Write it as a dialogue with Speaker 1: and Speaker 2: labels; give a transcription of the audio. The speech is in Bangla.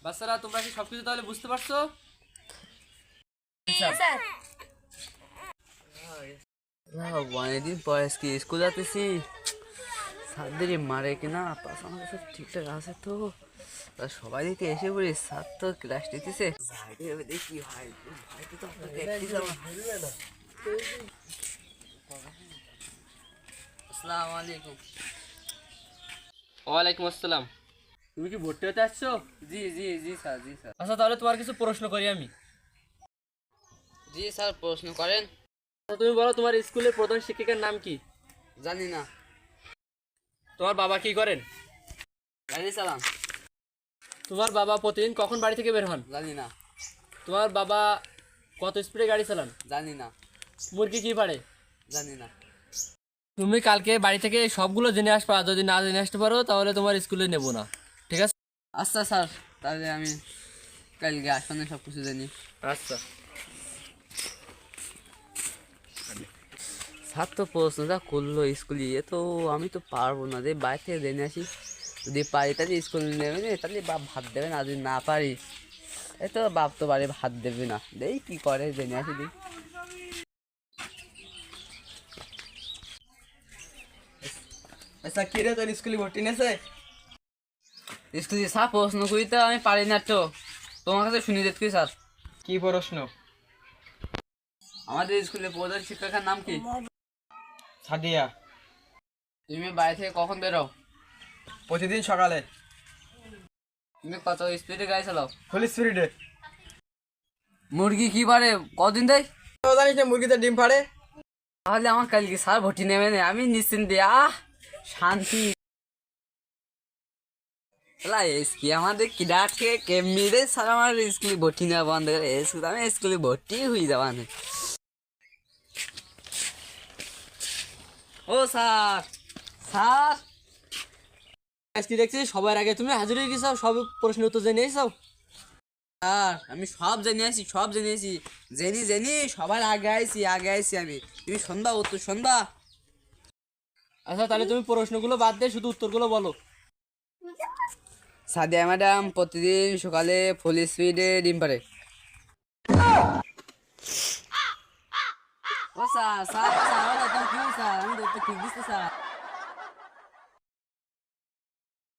Speaker 1: বাচ্চারা তোমরা কি সবকিছু তাহলে বুঝতে পারছো?
Speaker 2: অনেকদিন পরে আজকে স্কুল যাতেছি, স্যারদের মারে কিনা পাস আমাদের সব ঠিকঠাক আছে তো? সবাই দিকে এসে পড়ি, স্যার তো ক্লাস নিতেছে, দেখি ভাই ভাইকে তো আসসালামু আলাইকুম।
Speaker 1: ওয়ালাইকুম আসসালাম। তুমি কি ভর্তি হতে আসছো?
Speaker 2: জি জি জি স্যার, জি স্যার।
Speaker 1: আচ্ছা তাহলে তোমার কিছু প্রশ্ন করি আমি।
Speaker 2: জি স্যার, প্রশ্ন করেন।
Speaker 1: আচ্ছা তুমি বলো, তোমার স্কুলের প্রধান শিক্ষিকার নাম কি?
Speaker 2: জানি না।
Speaker 1: তোমার বাবা কি করেন?
Speaker 2: গাড়ি চালান।
Speaker 1: তোমার বাবা প্রতিদিন কখন বাড়ি থেকে বের হন?
Speaker 2: জানি না।
Speaker 1: তোমার বাবা কত স্পিডে গাড়ি চালান?
Speaker 2: জানি না।
Speaker 1: মুরগি কি পারে?
Speaker 2: জানি না।
Speaker 1: তুমি কালকে বাড়ি থেকে সবগুলো জেনে আসবা, যদি না জেনে আসতে পারো তাহলে তোমার স্কুলে নেব না, ঠিক আছে?
Speaker 2: আচ্ছা স্যার, তাহলে আমি কালকে আসলে সব কিছু জানি।
Speaker 1: আচ্ছা।
Speaker 2: স্যার তো প্রশ্নটা করলো স্কুলে, এ তো আমি তো পারবো না, যে বাইরে থেকে জেনে আসি। যদি পারি তাহলে স্কুল নেবে না, তাহলে বাপ ভাত দেবে না। যদি না পারি এই তো বাপ তো বাড়ি ভাত দেবে না। দেই কি করে, জেনে আসি দিই।
Speaker 3: আচ্ছা কি রে, তোর স্কুলে ভর্তি নেছে?
Speaker 2: স্কুলে স্যার প্রশ্ন করি তো আমি পারি না, তো তোমার কাছে শুনি দেখছি স্যার।
Speaker 3: কি প্রশ্ন?
Speaker 2: আমাদের স্কুলে প্রধান শিক্ষকের নাম কি?
Speaker 3: সাদিয়া।
Speaker 2: তুমি বাইরে থেকে কখন বেরো?
Speaker 3: প্রতিদিন সকালে।
Speaker 2: তুমি কত স্পিডে গাড়ি চালাও?
Speaker 3: ফুল স্পিডে।
Speaker 2: মুরগি কি পারে, কদিন দেয়?
Speaker 3: জানিস না মুরগিতে ডিম পাড়ে?
Speaker 2: তাহলে আমার কালকে স্যার ভর্তি নেবে না, আমি নিশ্চিন্তে শান্তি। এসকি আমাদের কিডা থেকে কেমনি রে স্যার আমার স্কুলে ভর্তি নেওয়া বন্ধ করে, আমি স্কুলে ভর্তি হয়ে যাওয়া নেই। ও স্যার, স্যার
Speaker 1: আজকে দেখছি সবার আগে তুমি হাজির হয়ে গেছো, সব প্রশ্নের উত্তর জেনে এসেছো।
Speaker 2: স্যার আমি সব জেনে আছি, সব জেনে আছি, জেনি জেনি সবার আগে আইছি, আগে আইছি আমি। তুমি শুনবা, উত্তর শুনবা?
Speaker 1: আচ্ছা তাহলে তুমি প্রশ্নগুলো বাদ দিয়ে শুধু উত্তরগুলো বলো।
Speaker 2: সাদিয়া ম্যাডাম প্রতিদিন সকালে ফুল স্পিডে ডিম পারে। ও স্যার, স্যার স্যার, কি স্যার, আমি তো ঠিক দিচ্ছি স্যার।